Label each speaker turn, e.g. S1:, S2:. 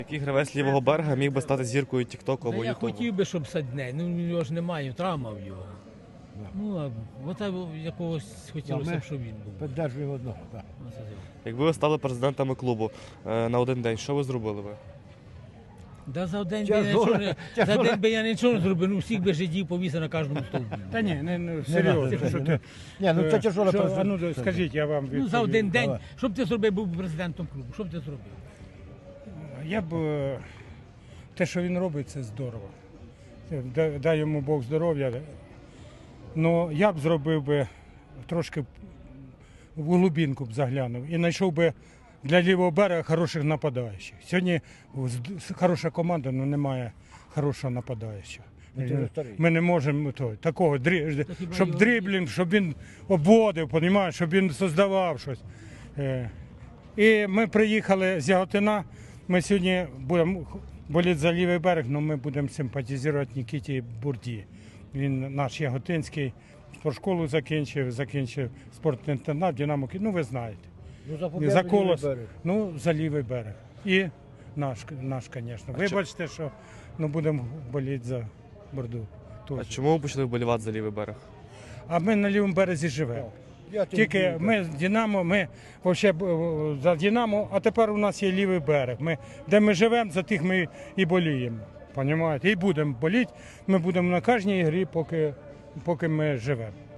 S1: Який гравець лівого берега міг би стати зіркою Тіктоку або
S2: Я
S1: Ютубу?
S2: хотів би, щоб Садней, ну його ж немає, травма в його. Ну, а якогось хотілося б, щоб він був.
S3: Підтримуємо одного, так.
S1: Якби ви стали президентами клубу на один день, що ви зробили би?
S2: Да за один би я нічого не зробив, ну всіх би жидів повісив на кожному стовбі.
S4: Та ні, не серйозно. Що ти,
S3: Ні, ну це тяжело.
S4: ну, скажіть, я вам відповім.
S2: Ну за один день, що б ти зробив, був президентом клубу, що б ти зробив?
S4: Я б, те, що він робить, це здорово. Дай йому Бог здоров'я. Ну, я б зробив би трошки в глибинку б заглянув і знайшов би для лівого берега хороших нападаючих. Сьогодні хороша команда, але немає хорошого нападаючого. Ми не можемо такого, щоб дриблінг, щоб він обводив, щоб він создавав щось. І ми приїхали з Яготина, ми сьогодні будемо боліти за лівий берег, але ми будемо симпатизувати Нікіті Бурді. Він наш яготинський, спортшколу закінчив спортний інтернат, Динамо, ну ви знаєте. За Колос, ну за лівий берег. І наш, звісно. Вибачте, що будемо боліти за Бурду.
S1: А чому ви почали вболівати за лівий берег?
S4: А ми на лівому березі живемо. Тільки ми з Динамо, ми взагалі за Динамо, а тепер у нас є лівий берег. Де ми живемо, за тих ми і боліємо. Понімаєте? І будемо боліти. Ми будемо на кожній грі, поки ми живемо.